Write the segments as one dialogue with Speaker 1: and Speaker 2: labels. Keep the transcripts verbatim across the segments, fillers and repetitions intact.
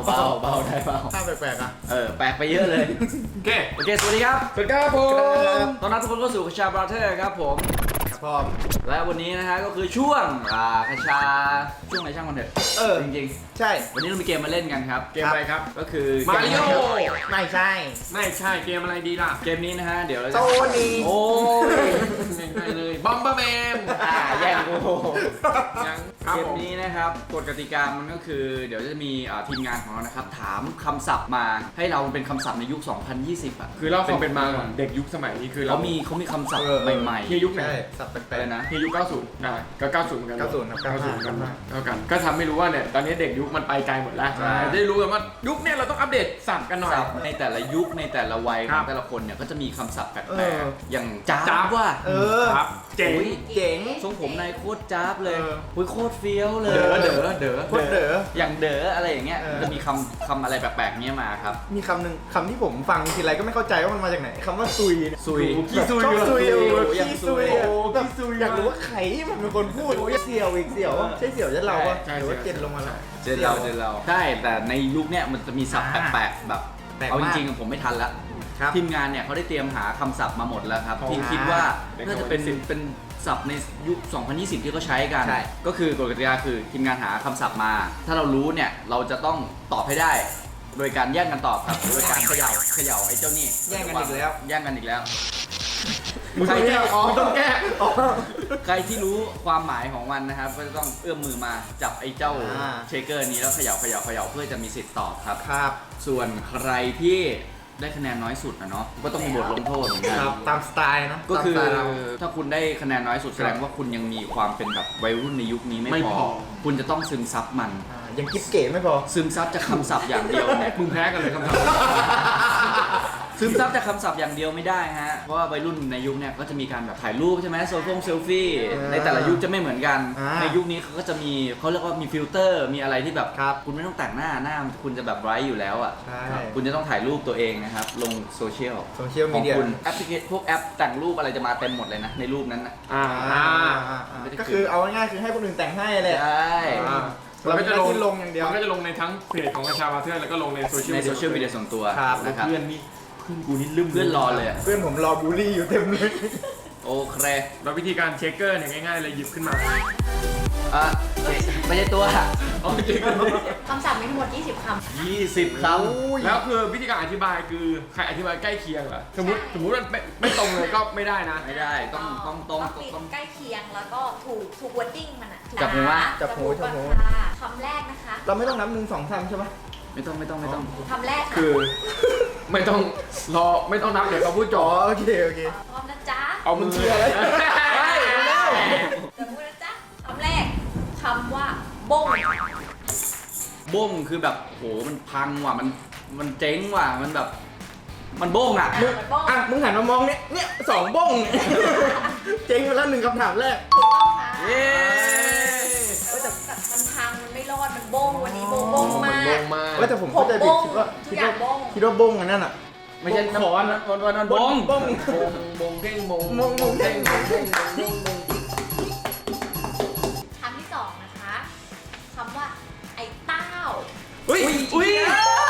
Speaker 1: เบาเบาได้เบา
Speaker 2: ถ้าแปลกๆอ่ะ
Speaker 1: เออแปลกไปเยอะเลยโอเคโอเคสวัสดีครับ
Speaker 2: สวัสดีครับผม
Speaker 1: ตอนนั้นทุกคนก็สู่คชาบราเธอร์ครับผม
Speaker 2: ครับพร้อม
Speaker 1: และวันนี้นะฮะก็คือช่วงอ่าคชาช่วงไหนช่างมันเถอะ
Speaker 2: เออ
Speaker 1: จริง
Speaker 2: ๆใช่
Speaker 1: วันนี้เรามีเกมมาเล่นกันครับ
Speaker 2: เกมอะไรครับ
Speaker 1: ก็คือ
Speaker 3: มาริโอ
Speaker 2: ไม่ใช่
Speaker 3: ไม่ใช่เกมอะไรดีล่ะ
Speaker 1: เกมนี้นะฮะเดี๋ยวเราจะ
Speaker 2: โซนี
Speaker 1: โอ้ย
Speaker 3: ง่ายๆเลยบอมเบอร์แมน
Speaker 1: อ่าแย่งกู
Speaker 3: ยังครับ
Speaker 1: เกม
Speaker 3: ผม
Speaker 1: นี้นะครับกฎกติกามันก็คือเดี๋ยวจะมีทีมงานของเรานะครับถามคำศัพท์มาให้เราเป็นคำศัพท์ในยุค สองพันยี่สิบ อ่ะ
Speaker 3: คือเราความเป็นมาก่อนเด็กยุคสมัยนี้คือเรา
Speaker 1: เขามีเขามีคำศัพท์ใหม่ๆ
Speaker 3: เฮียยุคไหน
Speaker 2: ใช่สับแป
Speaker 1: อะ
Speaker 2: ล
Speaker 1: ไร
Speaker 2: ก
Speaker 1: นะ
Speaker 3: เฮียยุคเก้าสิบอ่าก็เก้าสิบเหมือนกัน
Speaker 2: เก้าสิบครับเก้าสิบ
Speaker 3: กันเท่ากันก็ทำให้รู้ว่าเนี่ยตอนนี้เด็กยุคมันไปไกลหมดแล้ว
Speaker 1: ใช่
Speaker 3: จะได้รู้กันว่ายุคเนี่ยเราต้องอัปเดตศัพท์กันหน่อย
Speaker 1: ศัพท์ในแต่ละยุคในแต่ละวัยข
Speaker 3: ครั
Speaker 1: อง
Speaker 3: บ
Speaker 1: แต่ละคนเนี่ยก็จะมีคำศัพท์แป
Speaker 2: เอ
Speaker 1: ล
Speaker 2: อก
Speaker 1: ๆอย่างจ้า
Speaker 3: จ้า
Speaker 1: บว่า
Speaker 2: เออ
Speaker 3: ครับเจ๋ง
Speaker 1: อุ๊ย
Speaker 2: เจ๋ง
Speaker 1: ทรงผมนายโคตรจ้าบเลย
Speaker 2: เออ
Speaker 1: อุ้ยโคตรเฟี้ยวเลย
Speaker 3: เด๋อเด๋อเด๋อ
Speaker 2: โคตรเด๋อ
Speaker 1: อย่างเด๋ออะไรอย่างเงี้ย
Speaker 2: เออ
Speaker 1: จะมีคำคำอะไรแปลกๆเงี้ยมาครับ
Speaker 2: มีคำหนึ่งคำที่ผมฟังทีไรก็ไม่เข้าใจว่ามันมาจากไหนคำว่าซุยเนี่ย
Speaker 1: ซุย
Speaker 3: ขี้ซุย
Speaker 2: ชอบซุย
Speaker 1: โอ้
Speaker 2: เอ
Speaker 1: โห
Speaker 2: อ
Speaker 1: ยัง
Speaker 2: ขี้
Speaker 1: ซุ
Speaker 2: ซุ
Speaker 1: ย
Speaker 2: ย
Speaker 3: โอ้
Speaker 2: แบบ
Speaker 3: ขี้ซุย
Speaker 2: อยากรู้ว่าใครมันเป็นคนพูดเสี่ยวอีกเสี่ยวอะใช่เสี่ยวจะเราปะ
Speaker 3: ใช่
Speaker 2: หรือว่า
Speaker 3: ใช่
Speaker 2: เจนลงมาแล้ว
Speaker 1: เจนเราเจนเราใช่แต่ในยุคเนี้ยมันจะมีศัพท์
Speaker 2: อ่า
Speaker 1: แปลกๆแบบ
Speaker 2: แปลกมาก
Speaker 1: เอาจริงๆผมไม่ทันละ
Speaker 2: ครับ
Speaker 1: ทีมงานเนี่ยเขาได้เตรียมหาคำศัพท์มาหมดแล้วครับ
Speaker 2: อ๋อ
Speaker 1: ที่คิดว่า
Speaker 3: เป็น
Speaker 1: น่าจะเป็น
Speaker 3: สองพันยี่สิบ
Speaker 1: เป็นศัพท์ในยุค สองพันยี่สิบ ที่เขาใช้กัน
Speaker 2: ใช่
Speaker 1: ก็คือกฎกติกาคือทีมงานหาคำศัพท์มา ถ้าเรารู้เนี่ยเราจะต้องตอบให้ได้ โดยการแย่งกันตอบครับโดยการเขย่าเขย่าไอ้เจ้านี่
Speaker 2: แย่งกันอีกแล้ว
Speaker 1: แย่งกันอีกแล้ว
Speaker 3: มึงต้องแก้มึงต้องแก้
Speaker 1: ใครที่รู้ความหมายของมันนะครับก็จะต้องเอื้อมมือมาจับไอ้เจ้า
Speaker 2: อ่า
Speaker 1: เชคเกอร์นี้แล้วเขย่าเขย่าเขย่าเพื่อจะมีสิทธิ์ตอบครับ
Speaker 2: ครับ
Speaker 1: ส่วนใครที่ได้คะแนนน้อยสุดนะเนาะก็ต้องมีบทลงโทษเหมือนกัน
Speaker 2: ครับตามสไตล์นะ
Speaker 1: ก็คือ
Speaker 2: ตามสไตล์เรา
Speaker 1: ถ้าคุณได้คะแนนน้อยสุดแสดงว่าคุณยังมีความเป็นแบบวัยรุ่นในยุคนี้ไม่
Speaker 3: ไม่
Speaker 1: พ
Speaker 3: พ
Speaker 1: อ
Speaker 3: อ
Speaker 1: คุณจะต้องซึมซับมัน
Speaker 2: อ่ายังกิ๊บเก๋ไม่พอ
Speaker 1: ซึมซับจากคำศัพท์อย่างเดียวเนี่ย
Speaker 3: มึงแพ้กันเลยคำถาม
Speaker 1: ซึมซับจากคำศัพท์อย่างเดียวไม่ได้ฮะเพราะว่าวัยรุ่นในยุคเนี่ยก็จะมีการแบบถ่ายรูปใช่ไหมโซเฟงเซลฟี่
Speaker 2: อ่า
Speaker 1: ในแต่ละยุคจะไม่เหมือนกัน
Speaker 2: อ่า
Speaker 1: ในยุคนี้เขาก็จะมีเขาเรียกว่ามีฟิลเตอร์มีอะไรที่แบบ
Speaker 2: ครับ
Speaker 1: คุณไม่ต้องแต่งหน้าหน้าคุณจะแบบไบรท์อยู่แล้วอ่ะ
Speaker 2: ใช่
Speaker 1: คุณจะต้องถ่ายรูปตัวเองนะครับลงโซเชียล
Speaker 2: โซเชียล
Speaker 1: ข
Speaker 2: มี
Speaker 1: อง
Speaker 2: เดีย
Speaker 1: คุณแอปพลิเคชันพวกแอปแต่งรูปอะไรจะมาเต็มหมดเลยนะในรูปนั้นนะ
Speaker 3: อ่า
Speaker 2: อ่าอ่าอ่าก็คือเอาง่ายๆคือให้คนอื่นแต่งให้เลย
Speaker 1: ใช่
Speaker 3: อ่า
Speaker 2: เราก็จะลงลงอย่างเดียว
Speaker 3: มันก็จะลงในทั้งเพจของกระชาบาเทอร์แล้วก็ลงในโซเชียล
Speaker 1: ในโซเชียลมีเดียส่วนตัว
Speaker 2: ครับ
Speaker 1: นะครับ
Speaker 3: เพื่อนนี่เพื่อนกูนี่ลืม
Speaker 1: เพื่อนรอเลยอะ
Speaker 2: เพื่อนผมรอบูลลี่อยู่เต็มเลย
Speaker 1: โอเค
Speaker 3: แล้ววิธีการเช็คเกอร์เนี่ยง่ายๆเลยหยิบขึ้นมา
Speaker 1: อ่ะไม่ใช่ตัว
Speaker 3: เอาจริง
Speaker 4: คำศัพท์มีทั้งหมด ยี่สิบ คำ
Speaker 1: ยี่สิบค
Speaker 3: แล้วคือวิธีการอธิบายคือใครอธิบายใกล้เคียงเหรอสมมติสมมติมันไม่ไม่ตรงเลยก็ไม่ได้นะ
Speaker 1: ำไม่ได้ต้องต้องต้อง
Speaker 4: ติด
Speaker 1: ต้อง
Speaker 4: ใกล้เคียงแล้วก็ถูกถูกวอร์ดิ้งมันอะถูก
Speaker 1: จับหูวะ
Speaker 2: จับหูจับหู
Speaker 4: ก่อนค่ะคำแรกนะคะ
Speaker 2: เราไม่ต้องนับหนึ่งสองสามใช่ไหม
Speaker 1: ไม่ต้องไม่ต้องไม่ต้อง
Speaker 4: คำแรกค่ะ
Speaker 3: คือไม่ต้องรอไม่ต้องนับเดี๋ยวเขาพูดจ
Speaker 2: อ๋
Speaker 3: อ
Speaker 2: อโอเคโอเค
Speaker 4: พร้อมนะจ๊ะ
Speaker 3: เอามือ
Speaker 2: เชื่อเลย
Speaker 4: เดี๋ยวพูดนะจ๊ะคำแรกคำว่าบง
Speaker 1: บ้งคือแบบโหมันพังว่ะมันมันเจ๊งว่ะมันแบบ มันบ้งอ่ะ
Speaker 4: อ่ะมันบง
Speaker 2: อ่ะมึงหันมามองเนี่ยเนี่ยสองบ้งเนี่ยเจ๊งไปแล้วหนึ่งคำถามแรก
Speaker 4: ถูกต้องค่ะ
Speaker 1: เย้
Speaker 4: เออแต่แต่มันพังมันไม่รอดมันบงวันนี้บงบงมา
Speaker 3: มันบ
Speaker 4: ก
Speaker 3: งมาก
Speaker 2: เว้ยแต่ผมเข้าใจผิดคิดว่า
Speaker 4: ทุ
Speaker 2: คิ
Speaker 4: ก
Speaker 2: ด
Speaker 4: อย่า
Speaker 2: ว่าง
Speaker 4: บ้ง
Speaker 2: คิดว่าบ้งอันนั้นอ่ะ
Speaker 1: ไม่ใช่
Speaker 2: ขอน
Speaker 1: นะวันวันวันบ้ง
Speaker 2: บ้ง
Speaker 3: บงบงเท่งบง
Speaker 2: บงบงเท่งบงเท่ง
Speaker 4: คำที่สองนะคะคำว่าไอ้เต้า
Speaker 2: อุ้ยอุ้ย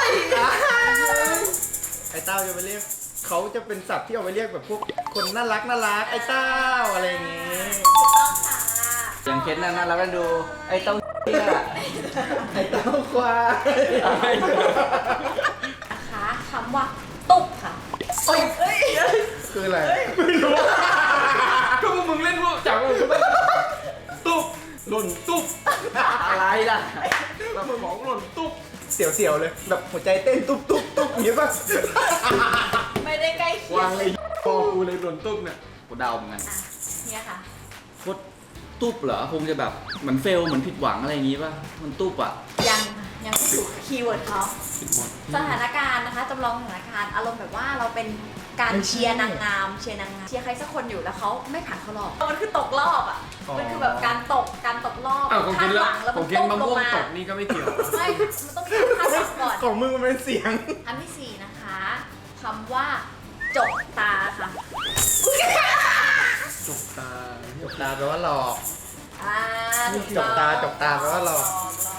Speaker 2: ไอ้เต้าจะไปเรียกเขาจะเป็นศัพท์ที่เอาไปเรียกแบบพวกคนน่ารักน่ารักไอ้เต้าอะไรอย่างงี้
Speaker 4: ถูกต้องค่ะ
Speaker 1: อย่างเคสนั้นนะเราก็ดูไอ้เต้าเนี่ย
Speaker 2: ไอ้เต้าควาย
Speaker 4: นะคะคำว่าตุกค่ะเอ้ยเอ้ย
Speaker 2: คืออะไร
Speaker 3: ไม่รู้ก็พวกมึงเล่นพวกจับมึงตุ๊บหล่นตุ๊บ
Speaker 1: อะไรล่ะ
Speaker 3: แล้วสมองหล่นตุ๊บ
Speaker 2: เสียวๆเลยแบบหัวใจเต้นตุ๊บตุ๊บตุ๊บอย่างนี้ป่ะ
Speaker 4: ไม่ได้ใกล้เคี
Speaker 3: วางเลยพอกูเลยหล่นตุ๊บเนี่ย
Speaker 1: กูเดาเหมือนกัน
Speaker 4: อ่ะเนี่ยค่ะ
Speaker 1: โคตรตุ๊บเหรอคงจะแบบเหมือนเฟลเหมือนผิดหวังอะไรอย่างงี้ป่ะมันตุ๊บอ่ะ
Speaker 4: ยังยังไม่ถูกคีย์เวิร์ดเขา
Speaker 3: ผิดหมด
Speaker 4: สถานการณ์นะคะจำลองสถานการณ์อารมณ์แบบว่าเราเป็นการเชียร์นางงามเชียร์นางงามเชียร์ใครสักคนอยู่แล้วเขาไม่ผ่านเข้ารอบมันคือตกรอบอ่ะมันคือแบบการตกการตกรอบ
Speaker 3: อ้าวผม
Speaker 4: คา
Speaker 3: กิ
Speaker 4: ด
Speaker 3: น
Speaker 4: ห
Speaker 3: แล้ว
Speaker 4: วังแล้ว
Speaker 3: ผ
Speaker 4: มั
Speaker 3: ม
Speaker 4: น
Speaker 3: กิน
Speaker 4: ตก
Speaker 3: มะ
Speaker 4: ล
Speaker 3: ม่
Speaker 4: ง
Speaker 3: วง
Speaker 4: มา
Speaker 3: ตกนี่ก็ไม่เกี่ยว
Speaker 4: ไม่มันต้องมีการคาดหวังก่อน
Speaker 2: ของมึงมันเป็นเสียง
Speaker 4: คำที่สี่นะคะคำว่าจกตาค่ะ
Speaker 3: จกตา
Speaker 2: จกตาแปลว่าหลอก
Speaker 4: อ่าถูก
Speaker 2: จ
Speaker 4: ต้อง
Speaker 2: กตาจกตาแปลว่าหลอก
Speaker 4: หลอก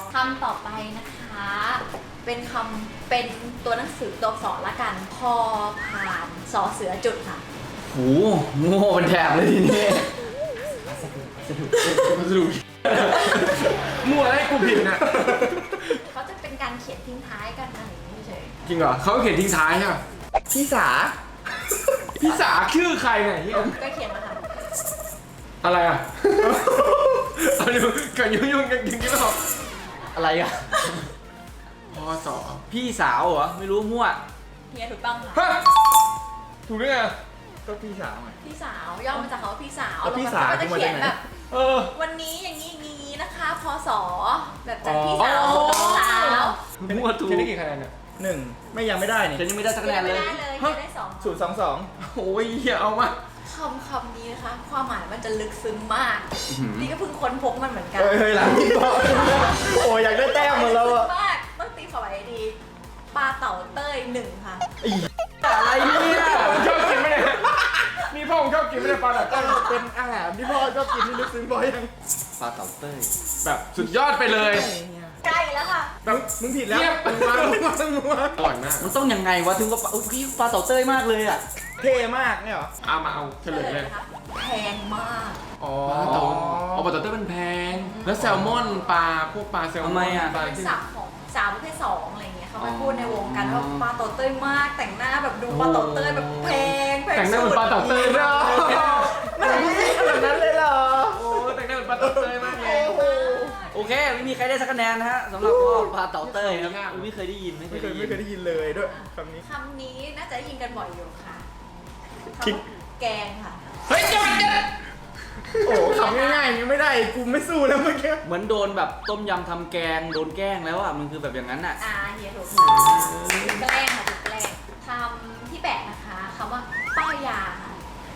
Speaker 4: คำต่อไปนะคะ เป็นคำเป็นตัวหนังสือตัวอักษรละกัน พอผ่านสอเสือจุดค่ะ
Speaker 1: โหโง่เป็นแถบเลยทีนี้
Speaker 3: สรุปมั่วให้กูผิดนะ
Speaker 4: เขาจะเป็นการเขียนทิ้งท้ายกันอะไรอย่างนี้เฉย
Speaker 3: จริงเหรอเขาเขียนทิ้งท้ายใช่ไหม
Speaker 2: พี่สา
Speaker 3: พี่สาชื่อใครเนี่ยเหี้ย
Speaker 4: ก็เขียนมาค่ะ
Speaker 3: อะไรอ่ะเอาดูกันยุ่งยุ่งกันจริงๆไม่บอก
Speaker 1: อะไรอะ
Speaker 3: พอสอ
Speaker 1: พี่สาวเหรอไม่รู้มั่ว
Speaker 4: เฮียถูกต้องค่ะ
Speaker 3: ฮะถูกได้ไง
Speaker 2: ก็พี่สาวไง
Speaker 4: พี่สาวย่อมาจากคำว่าพี่สาว
Speaker 2: แล้วพี่สาว
Speaker 4: ก็จะเขียน
Speaker 2: มาจากไหน
Speaker 4: แบบ
Speaker 3: เออ
Speaker 4: วันนี้อย่างนี้อย่างนี้นะคะ พศแบบจากพี่สาวสู่น้องสาว
Speaker 1: มั่วถูก
Speaker 3: เขียนได้กี่คะแนนเนี่ย
Speaker 2: หนึ่งไม่ยังไม่ได้นี่
Speaker 1: ฉันยังไม่ได้สัก
Speaker 4: เขี
Speaker 1: คะ
Speaker 4: ย
Speaker 1: แน
Speaker 4: น
Speaker 1: น
Speaker 4: ไม่
Speaker 1: เลย
Speaker 4: ได้เลย
Speaker 3: ฮะ
Speaker 4: เขียนได้สอง
Speaker 2: ศูนย์สองสอง
Speaker 3: โอ้ยเหี้ยเอามา
Speaker 4: คำคำนี้นะคะ ความหมายมันจะลึกซึ้งมาก
Speaker 1: อื้อหือ
Speaker 4: นี่ก็เพิ่งค้นพบมันเหมือนกัน
Speaker 2: เฮ้ยเฮ้ยหลังพี่บอกโอ้ยอยากได้แต้มหมดแล้วอะ
Speaker 4: มากต้องตีความหมายดีปลาเต่าเต้ยหนึ่งค่ะ
Speaker 1: อะไรเนี่ย
Speaker 3: ผมชอบกินไหมเนี่ยนี่พ่อผมชอบกินไหมเนี่ยปลาดักตั้ง
Speaker 2: เป็นอาหารที่พ่อชอบกินที่ลึกซึ้งบ่อยยัง
Speaker 1: ปลาเต่าเต้ย
Speaker 3: แบบสุดยอดไปเลย
Speaker 4: ใกล้แล้วค่ะ
Speaker 3: แบบ
Speaker 2: มึงผิดแล้ว
Speaker 3: เทียบ
Speaker 2: มึงมามึงมามึงมา
Speaker 3: อร่อยมาก
Speaker 1: มันต้องยังไงวะถึงว่าปลาอุ๊ยปลาเต่าเต้ยมากเลยอะ
Speaker 2: เท่มากเนี่ยเหรอ
Speaker 3: เอามาเอาเฉลยเลย
Speaker 4: นะคะแพงมาก
Speaker 3: อ๋อเต่าอ๋อปลาเต่าเต้ยมันแพง แล้วแซลมอนปลาพวกปลาแซลมอนปลา
Speaker 4: เป็น
Speaker 3: ที่
Speaker 4: ศัพท์ของสาวประเภทสองอะไรเงี้ยเขาไป
Speaker 1: อ๋อ
Speaker 4: พูดในวงกันว่าปลาเต่าเต้ยมาก แต่งหน้าแบบดูปลาเต่าเต้ยแบบแพงแพง
Speaker 3: แต่งหน้าเหมือนปลาเต่าเต้ยด้วย
Speaker 2: ไม่ขนาดนั้นเลยเหรอ
Speaker 3: โอ้แต่งหน้าเหมือนปลาเต่าเต้ยมากเลย
Speaker 1: โอเคไม่มีใครได้สักคะแนนนะฮะสำหรับข้อปลาเต่าเต้ยครับ
Speaker 3: ยาก
Speaker 1: ไม่เคยได้ยินไม่เค
Speaker 2: ไม่
Speaker 1: ย
Speaker 2: เค
Speaker 1: ได้
Speaker 2: ย
Speaker 1: ยิ
Speaker 2: ไม่
Speaker 1: น
Speaker 2: เคยได้ยินเลยด้วยคำนี้
Speaker 4: คำนี้น่าจะได้ยินกันบ่อยอยู่ค่ะ
Speaker 2: คิด
Speaker 4: คำว่าแกงค่ะ
Speaker 3: เฮ้ยจับจับ
Speaker 2: โอ้โหคำง่ายๆอย่างนี้ไม่ได้กูไม่สู้แล้วเมื่อกี้
Speaker 1: เหมือนโดนแบบต้มยำทำแกงโดนแกล้งแล้วอ่ะมันคือแบบอย่างนั้นอ่ะ
Speaker 4: อ่าเฮียถูกค่ะถูกแกล้งค่ะถูกแกล้งคำที่แปดนะคะคำว่าป้ายยาค่ะ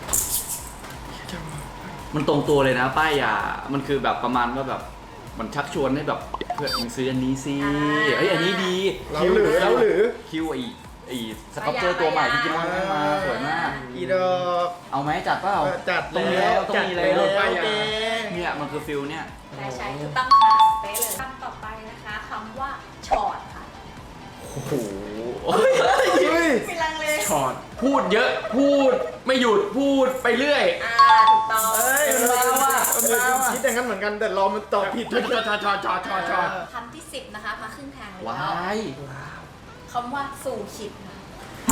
Speaker 1: มันตรงตัวเลยนะป้ายยา มันคือแบบประมาณว่าแบบมันชักชวนให้แบบเพื่อนมึงซื้ออันนี้สิเอ้ยอันนี้ดี
Speaker 2: เราหรือเราหรือ
Speaker 1: คิวไอไอสครับเจอร์ตัวใหม่ที่จิมอนให้มาสวยมาก
Speaker 2: อีดอก
Speaker 1: เอาไหมจัดเปล่า
Speaker 2: เออจัด
Speaker 1: ต้องมี
Speaker 2: แล้
Speaker 1: แล้ว วต้อง
Speaker 2: จัด
Speaker 1: มี
Speaker 2: แล้
Speaker 1: แล้ว ว
Speaker 2: ป้ายยา
Speaker 1: เนี่ยมันคือฟิลเนี่ย
Speaker 4: ใช่ใช่ถูกต้องค่ะเป๊ะเลยคำต่อไปนะคะคำว่าชอดค่ะ
Speaker 1: โอ้โห
Speaker 2: เฮ้ย
Speaker 4: มีลังเล
Speaker 3: ช็อตพูดเยอะพูดไม่หยุดพูดไปเรื่อย
Speaker 4: อ่าถูกต้อง
Speaker 2: เอ้ยมันมาว่ะเออคิดอย่างนั้นเหมือนกันแต่รอมันตอบผิด
Speaker 3: ช็อตช็อตช็อตช็อตช็อตช็อตช็อต
Speaker 4: คำที่สิบนะคะมาครึ่งทางแล้ว
Speaker 1: ว้าย
Speaker 4: คำว่าสู่ขิดค่ะ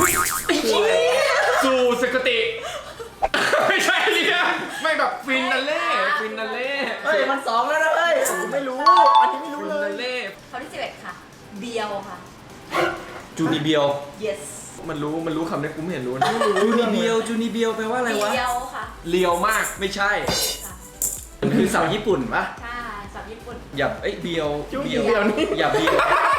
Speaker 3: สู่สกติ ไม่ใช่เนี่ยไม่แบบฟินนัลเล่ฟินนัลเล่
Speaker 1: เฮ้ยมันสองแล้วนะเฮ้ย
Speaker 2: กูไม่รู้ อันนี้ไม่รู้
Speaker 3: ฟิน
Speaker 2: เล
Speaker 3: นั
Speaker 2: ย
Speaker 3: ลเล่
Speaker 4: คำที่สิบเอ็ดค่ะ เบียวค่ะ
Speaker 1: จูนิเบียว
Speaker 4: yes
Speaker 3: มันรู้มันรู้คำนี้กูไม่เห็นรู้นะ
Speaker 1: จูนิเบียวจูนิเบียวแปลว่าอะไรวะ
Speaker 4: เบียวค่ะ
Speaker 3: เลียวมาก
Speaker 1: ไม่ใช่
Speaker 4: ค่ะ
Speaker 1: มันคือสาวญี่ปุ่นปะ
Speaker 4: ใช่สับญี่ปุ่น
Speaker 1: อย่าเอ้ยเบียว
Speaker 2: จูนิเบียวนี่
Speaker 1: อย่าเบียว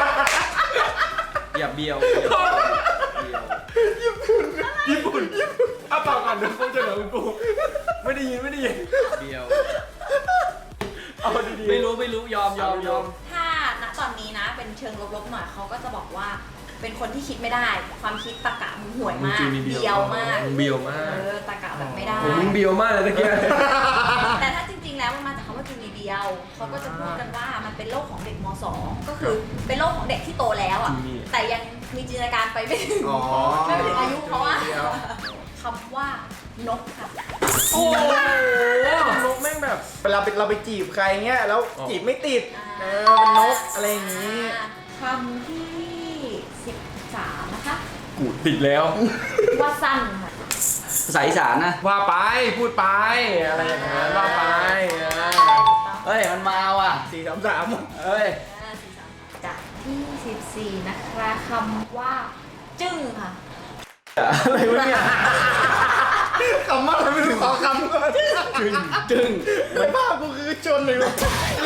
Speaker 1: อย่าเบียวเบียวเบียว
Speaker 3: ญี่ปุ่นเอาปากก่อนเดี๋ยวกูจะเหลือกูไม่ได้ยินไม่ได้ยิน
Speaker 1: เบียว
Speaker 3: เอาดี
Speaker 1: ไม่รู้ไม่รู้ยอมยอมยอม
Speaker 4: ถ้าณตอนนี้นะเป็นเชิงลบๆหน่อยเขาก็จะบอกว่า เป็นคนที่คิดไม่ได้ ความคิดตะกะมึงห่วยมาก เบียวมาก
Speaker 3: เบียวมาก
Speaker 4: เออตะกะแบบไม่ได้
Speaker 3: โอ้มึงเบียวมากเลยตะเกีย
Speaker 4: แต่ถ้าจริงๆ แล้วมันมาจากคำว่าจูนีเบียว เขาก็จะพูดกันว่ามันเป็นโรคของเด็กม สอง ก็คือเป็นโรคของเด็กที่โตแล้วอ่ะ แต่ยังมีจินตนาการไปไม่ถึง
Speaker 2: อ๋อ
Speaker 4: ไม่ถึงอายุเขาอะ
Speaker 2: จูนีเบียว
Speaker 4: คำว่านกค่ะ
Speaker 3: โอ้โหนกแม่งแบบ
Speaker 2: เวลาไปเราไปจีบใครเงี้ยแล้ว
Speaker 3: อ๋อ
Speaker 2: จีบไม่ติด
Speaker 4: อ่า
Speaker 2: เออเป็นนกอะไรอย่างนี้
Speaker 4: คำที่สิบสามนะคะ
Speaker 3: กูติดแล้ว
Speaker 4: ว่าสั้นค่ะ
Speaker 1: ภาษาอีสานนะ
Speaker 3: ว่าไปพูดไปอะไรอย่างเงี้ยว่าไปอ่ะ
Speaker 1: เฮ้ยมันมาว่ะ
Speaker 2: สี่สามสาม
Speaker 1: เฮ้ย
Speaker 4: จากที่สิบสี่นะคะคำว่า จึ้งค่ะ
Speaker 2: อะไรวะเนี่ยคำว่าอะไรไม่รู้ขอคำก่อน
Speaker 1: จึงจึง
Speaker 2: ไม่ภาพกูคือจนเลยวะ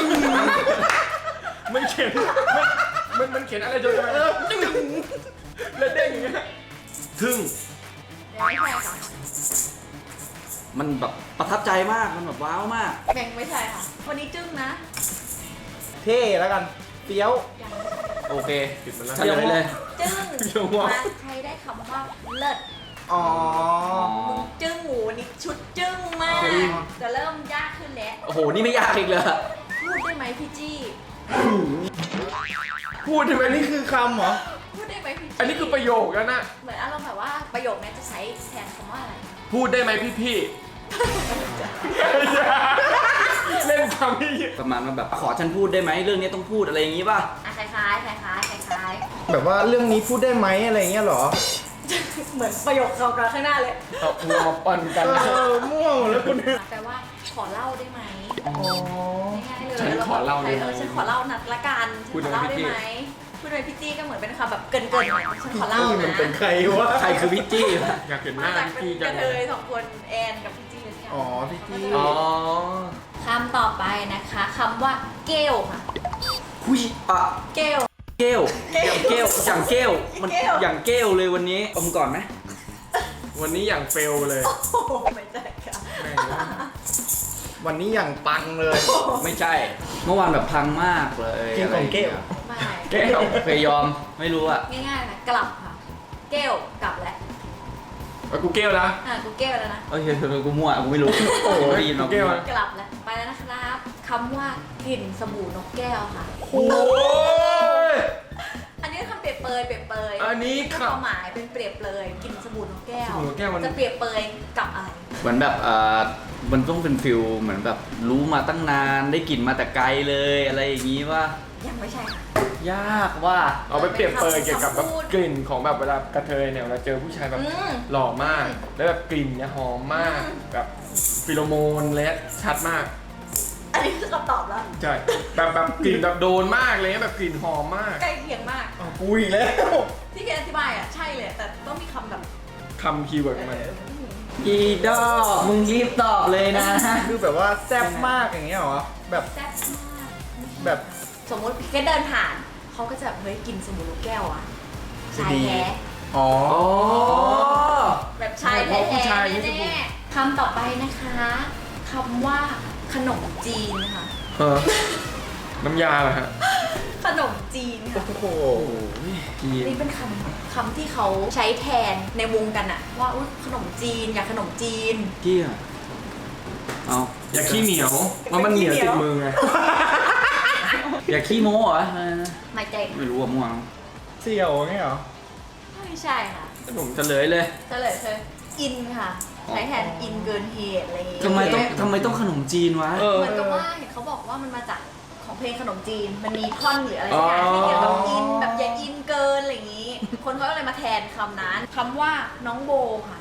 Speaker 3: มันเขียนมันมันเขียนอะไรจนไปแล้วเด้งอย่างเงี้ยทึ่ง
Speaker 4: ไม่ใช่ค่ะ
Speaker 1: มันแบบประทับใจมากมันแบบว้าวมาก
Speaker 4: แบ่งไม่ใช่ค่ะ วันนี้จึ้งนะ
Speaker 2: เท่แล้วกันเตี้ยว
Speaker 4: ยัง
Speaker 1: โอเค
Speaker 3: ผิดมันแล้ว
Speaker 1: เฉลยเลย
Speaker 4: จึ้ง
Speaker 3: เดี๋ยวว่า
Speaker 4: มาใช้ได้คำว่าเลิศ
Speaker 2: อ๋อ
Speaker 4: มึงจึ้งหมูนี่ชุดจึ้งมาก
Speaker 1: จึ้ง
Speaker 4: จะเริ่มยากขึ้นแล้ว
Speaker 1: โอ้โหนี่ไม่ยากอีกเลย
Speaker 4: พูดได้ไหมพี่จี้
Speaker 3: พูดทำไม
Speaker 2: อัน
Speaker 3: นี่
Speaker 2: นี้คือคำเหรอ
Speaker 4: พูดได้ไหมพี่
Speaker 3: อันนี้คือประโยคแล้วนะ
Speaker 4: เหมือนอารมณ์แบบว่าประโยคนี้จะใช้แทนคำว่าอะไร
Speaker 3: พูดได้ไหมพี่พี่เล่นคำที่
Speaker 1: ประมาณว่าแบบขอฉันพูดได้ไหมเรื่องนี้ต้องพูดอะไรอย่างงี้ป่ะ
Speaker 4: อ่ะคล้ายๆคล้ายๆคล้าย
Speaker 2: แบบว่าเรื่องนี้พูดได้ไหมอะไรเงี้ยเหรอ
Speaker 4: ๆ เหมือนประโยคเรากันข้างหน้าเลย
Speaker 3: เอาหัวมาปั่นกัน
Speaker 2: เออมั่วหมดแล้วคุณ
Speaker 4: แปลว่าขอเล่าได้ไหม
Speaker 2: อ๋อ
Speaker 4: ง่ายๆเลย
Speaker 3: ฉันขอเล่าได้ไหม
Speaker 4: ออฉันขอเล่านัดละกันฉัน
Speaker 3: พูด
Speaker 4: ข
Speaker 3: ได้
Speaker 4: อ
Speaker 3: ไหม
Speaker 4: เล่าได้
Speaker 3: พี่
Speaker 4: ไหมพูดเลยพี่จี้ก็เหมือนเป็นคำแบบเกินๆหน่อยฉันขอเล่า
Speaker 2: พี่
Speaker 4: นะ
Speaker 2: มันเป็นใครวะ
Speaker 1: ใครคือพี่จี้วะ
Speaker 3: อยากเห็นห
Speaker 4: มา
Speaker 3: น้า
Speaker 4: จากเป็น
Speaker 3: พี่
Speaker 4: ก
Speaker 3: จั
Speaker 4: ระ
Speaker 3: ง
Speaker 4: เท
Speaker 3: เลย
Speaker 4: ยสองคนแอนกับพี่จี้เลยกัน
Speaker 2: อ๋อพี่จี้
Speaker 3: อ๋อ
Speaker 4: คำต่อไปนะคะคำว่าเกลค่ะ
Speaker 1: หุยอ่ะ
Speaker 4: เกล
Speaker 1: เกลอย่างเกลอย่างเกลมัน
Speaker 4: เกล
Speaker 1: อย่างเกลเลยวันนี้อมก่อนไหม
Speaker 3: วันนี้อย่างเฟลเลย
Speaker 4: โอ้โหไม่ใช่ค่ะ
Speaker 3: แม่ง
Speaker 2: วันนี้อย่างปังเลย
Speaker 1: ไม่ใช่ เมื่อวานแบบพังมากเลย
Speaker 2: กินของเกล
Speaker 4: ไม่
Speaker 3: แก้ว
Speaker 1: เคยยอมไม่รู้อ่ะ
Speaker 4: ง่ายๆนะกลับค่ะ เกลกลับแล้ว
Speaker 3: เอากูเกลนะ
Speaker 4: อ่ะกูเกลแล้วนะ
Speaker 1: โอเคกูมั่วกูไม่รู้โอ้โหได้ยินมา
Speaker 3: เกล
Speaker 1: มั่ว
Speaker 3: อะ
Speaker 4: กลับแล้วไปแล้วนะครับคำว่ากลิ่นสบู่นกแก้วค่ะ
Speaker 3: โอ้ย
Speaker 4: อันนี้คำเปรียบเปรยเปรียบเปรย
Speaker 3: อันนี้
Speaker 4: ค
Speaker 3: ครับ
Speaker 4: วามหมายเป็นเปรียบเปรยกลิ่นสบู่นกแก้ว
Speaker 3: สบู่นกแก้วมัน
Speaker 4: จะเปรียบเปรยกับอะไร
Speaker 1: เหมือนแบบอ่ามันต้องเป็นฟิลเหมือนแบบรู้มาตั้งนานได้กลิ่นมาแต่ไกลเลยอะไรอย่างงี้ว่า
Speaker 4: ยังไม่ใช่ค่ะ
Speaker 1: ยากว่า
Speaker 3: เอาไปเปรียบเปรยเกี่ยวกับแบบ
Speaker 4: พูด
Speaker 3: กลิ่นของแบบเวลากระเทยเนี่ยเวลาเจอผู้ชายแบบ
Speaker 4: อืม
Speaker 3: หล่อมาก แล้วแบบกลิ่นเนี่ยหอมมาก
Speaker 4: อืม
Speaker 3: แบบฟิโลโมนและชัดมาก
Speaker 4: อันนี้คือคำตอบแล้ว
Speaker 3: ใช่แบบแบบกลิ่นแบบโดนมากเลยแบบกลิ่นหอมมาก
Speaker 4: ใกล้เคียงมาก
Speaker 2: อ้าวกูอีกแล้ว
Speaker 4: ที่เคนอธิบายอ่ะใช่เลย แต่ต้องมีคำแบบ
Speaker 3: คำคีย์เวิร์ดของมัน
Speaker 1: อีดอกมึงรีบตอบเลยนะ
Speaker 2: คือแบบว่าแซ่บมากอย่างเงี้ยเหรอ แบบ
Speaker 4: แซ่บมาก
Speaker 2: แบบ
Speaker 4: สมมติพี่เคนเดินผ่าน เขาก็จะแบบเฮ้ยกินสบู่นกแก้วอ่ะชายแท้
Speaker 2: อ๋อ
Speaker 1: อ๋อ
Speaker 4: แบบชายแท้
Speaker 3: ผู้ชาย
Speaker 4: ๆ
Speaker 3: นี่สบู่
Speaker 4: แน่ๆคำต่อไปนะคะคำว่าขนมจีนค่ะ
Speaker 3: เออน้ำยาเหรอฮะ
Speaker 4: ขนมจีนค่ะ
Speaker 2: โอ้โห
Speaker 3: จีน
Speaker 4: นี่เป็นคำคำที่เขาใช้แทนในวงกันอะว่าอุ๊ยขนมจีนอยากขนมจีน
Speaker 1: เกี้ยเอา
Speaker 3: อย่าขี้เหนียวว่ามันเหนียวติดมือไง
Speaker 1: อย่าขี้โม้เหรออะไรนะ
Speaker 4: ไม่ใจ
Speaker 1: ไม่รู้อ่ะมั่ว
Speaker 2: เสี่ยวอย่างเงี้ยเหรอ
Speaker 4: ไม่ใช่ค่ะ
Speaker 1: ผมเฉลยเลย
Speaker 4: เฉลยคืออินค่ะ ใช้แทนอินเกินเหตุอะไรอย่างเงี้ย
Speaker 1: ทำไมต้องทำไมต้องขนมจีนวะ
Speaker 3: เออ
Speaker 4: เหมือนกับว่าเห็นเขาบอกว่ามันมาจากของเพลงขนมจีน มันมีท่อนหรืออะไรสักอย่างที่เกี่ยวกับอินแบบอย่าอินเกินอะไรอย่างงี้ คนเขาก็เลยมาแทนคำนั้นคำว่าน้องโบค่ะ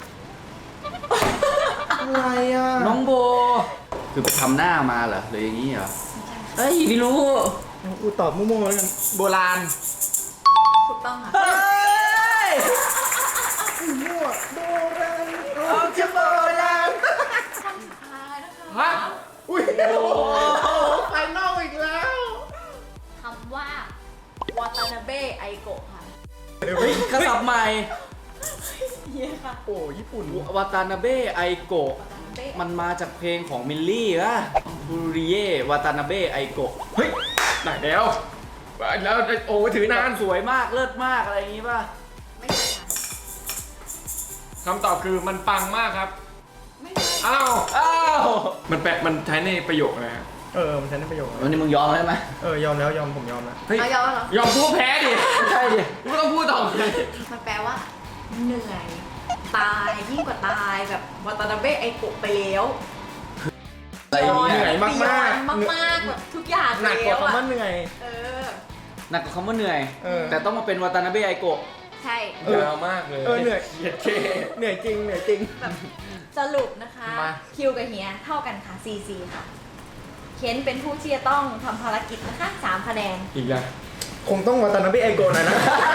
Speaker 2: อะไรอ่ะ
Speaker 1: น้องโบ คือไปทำหน้ามาเหรอหรืออย่างนี้เหรอเฮ้ยไม่รู้
Speaker 2: กูตอบมั่วๆแล้วกัน โบราณ
Speaker 4: ถูกต้องค่ะ
Speaker 1: เฮ้ย
Speaker 2: มั่วโบราณเอาจะโบราณ
Speaker 4: คำสุดท้ายนะคะ
Speaker 3: ฮะ
Speaker 2: อุ้ยโอ้โหไฟนอลอีกแล้ว
Speaker 4: คำว่าวาตานาเบะไอโกะค่ะ
Speaker 1: เฮ้ยกระสับใหม่
Speaker 4: เฮียค่ะ
Speaker 2: โอ้ญี่ปุ่น
Speaker 1: วาตานาเบะไอโกะ
Speaker 4: วาตานาเบะ
Speaker 1: มันมาจากเพลงของมิลลี่วะบูริเย่วาตานาเบะไอโกะ
Speaker 3: เฮ้ยไหนแล้วแล้วโอ้ถือนาน
Speaker 1: สวยมากเลิศมากอะไรอย่างงี้ป่ะ
Speaker 4: ไม่ใช่ค่ะ
Speaker 3: คำตอบคือมันปังมากครับ
Speaker 4: ไม่ใช่
Speaker 3: อ้าว
Speaker 1: อ้าว
Speaker 3: มันแปลมันใช้ในประโยคอะไรฮะ
Speaker 2: เออ มันใช้ในประโยค
Speaker 1: วันนี้มึงยอมได้ไหม
Speaker 2: เออ ยอมแล้วยอมผมยอมแล้ว
Speaker 3: เฮ้ย
Speaker 4: เอายอมแล้วเหรอย
Speaker 3: อมพูดแพ้ดิ
Speaker 1: ไม่ใช่ดิ
Speaker 3: ไม่ต้องพูดต่อเลย
Speaker 4: มันแปลว่า เหนื่อย ตายยิ่งกว่าตายแบบวาตานาเบะไอโกะไปแล้ว
Speaker 1: อะไรอย่าง
Speaker 2: เห
Speaker 1: เงี้
Speaker 2: นื่อย
Speaker 1: ย
Speaker 2: มากมาก
Speaker 4: มากมากๆแบบทุกอย่าง
Speaker 2: หนักกว่า
Speaker 4: แล้ว
Speaker 2: คำว่า
Speaker 4: อะ
Speaker 2: เหนื่อย
Speaker 4: เออ
Speaker 1: หนักกว่าคำว่าเหนื่อย
Speaker 2: เออ
Speaker 1: แต่ต้องมาเป็นวาตานาเบะไอโกะ
Speaker 4: ใช่
Speaker 2: เออ
Speaker 3: ยาวมากเลย
Speaker 2: เออเหนื่อย
Speaker 3: เหยียดเค
Speaker 2: เหนื่อยจริง เหนื่อยจริง
Speaker 4: แบบสรุปนะคะ
Speaker 3: มา
Speaker 4: คิวกับเฮียเท่ากันค่ะ ซี ซี ค่ะ เคนเป็นผู้ที่จะต้องทำภารกิจนะคะสามคะแนน
Speaker 3: อีกแล้ว
Speaker 2: คงต้องวาตานาเบะไอโกะหน่อยนะ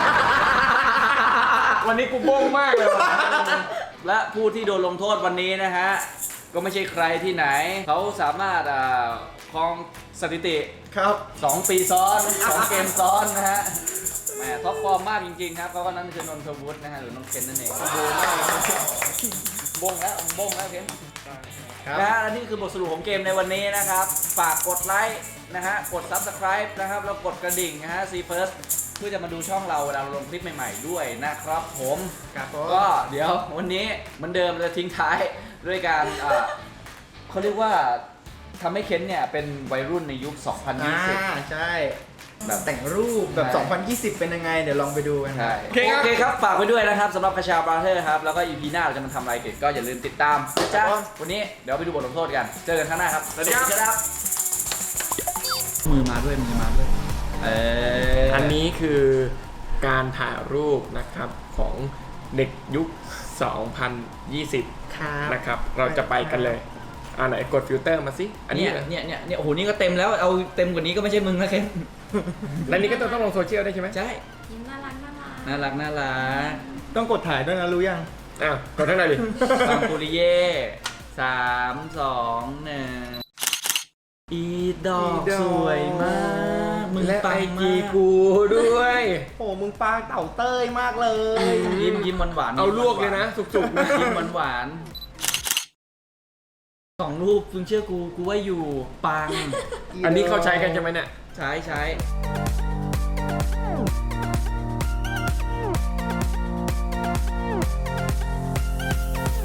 Speaker 3: วันนี้กูโบ้งมากเลยว่ะ
Speaker 1: และผู้ที่โดนลงโทษวันนี้นะฮะ ก็ไม่ใช่ใครที่ไหน เขาสามารถอ่าครองสถิติ
Speaker 2: ครับ
Speaker 1: สองปีซ้อนสองเกมซ้อนนะฮะแหมท็อปฟอร์มมากจริงๆครับเขาก็นั่นคือนนทวุฒินะฮะหรือน้องเคนนั่นเองบงแล้วบงแล้วเคน
Speaker 2: ครับ
Speaker 1: นะฮะและนี่คือบทสรุปของเกมในวันนี้นะครับ ฝากกดไลค์นะฮะกด Subscribe นะครับแล้วกดกระดิ่งนะฮะ ซี First เพื่อจะมาดูช่องเราเวลาเราลงคลิปใหม่ๆด้วยนะครับผม
Speaker 2: ครับผม
Speaker 1: ก็เดี๋ยววันนี้เหมือนเดิมจะทิ้งท้ายด้วยการอ่าเขาเรียกว่าทำให้เคนเนี่ยเป็นวัยรุ่นในยุค สองพันยี่
Speaker 2: อ่า
Speaker 1: สิบ
Speaker 2: ใช่แบบแต่งรูปแบบ
Speaker 1: ใช่
Speaker 2: สองพันยี่สิบเป็นยังไงเดี๋ยวลองไปดูกัน
Speaker 1: ใช่
Speaker 3: โอเคครับ
Speaker 1: โอเคครับ ฝากไว้ด้วยนะครับสำหรับคาชาบราเธอร์ครับ แล้วก็ อี พี หน้าเราจะมาทำอะไรเด็ดก็อย่าลืมติดตามนะจ๊ะวันนี้เดี๋ยวไปดูบทลงโทษกัน เจอกันข้างหน้าครับ
Speaker 3: สวัสดีครับ
Speaker 1: มือมาด้วยมือมาด้วยเออ
Speaker 3: อันนี้คือการถ่ายรูปนะครับของเด็กยุค สองพันยี่สิบ
Speaker 2: ครับ
Speaker 3: นะครับ เราจะไปกันเลยอ่าไหนกดฟิลเตอร์มาสิ อันนี้
Speaker 1: เนี่ย
Speaker 3: เหรอ
Speaker 1: เนี่ยเนี่ยเนี่ยโอ้โหนี่ก็เต็มแล้วเอาเต็มกว่านี้ก็ไม่ใช่มึงนะเคน
Speaker 3: แล้วนี่ก็ต้องลงโซเชียลได้ใช่ไหม
Speaker 1: ใช่
Speaker 4: ยิ้มน่ารักน่ารัก
Speaker 1: น่ารักน่ารัก
Speaker 2: ต้องกดถ่ายด้วยนะรู้ยัง
Speaker 3: อ่ะกดทั้งในดิ
Speaker 1: ฟังปุริเย่สามสองหนึ่งอีดอก
Speaker 2: อีดอก
Speaker 1: สวยมากมึง
Speaker 3: และ
Speaker 1: ปั
Speaker 3: ไอง
Speaker 1: มา
Speaker 3: จี
Speaker 1: ก
Speaker 3: กูด้วย
Speaker 2: โอ้มึงปลาเต่าเต้ยมากเลย
Speaker 1: ยิ้มยิ้มหวานหวานๆ
Speaker 3: เอาลวกเลยนะ สุกๆนะ
Speaker 1: ยิ้มหวานหวานๆสองรูปมึงเชื่อกูกูว่าอยู่ปัง
Speaker 3: อันนี้เขาใช้กันใช่ไหมเนี่ย
Speaker 1: ใช้ใช้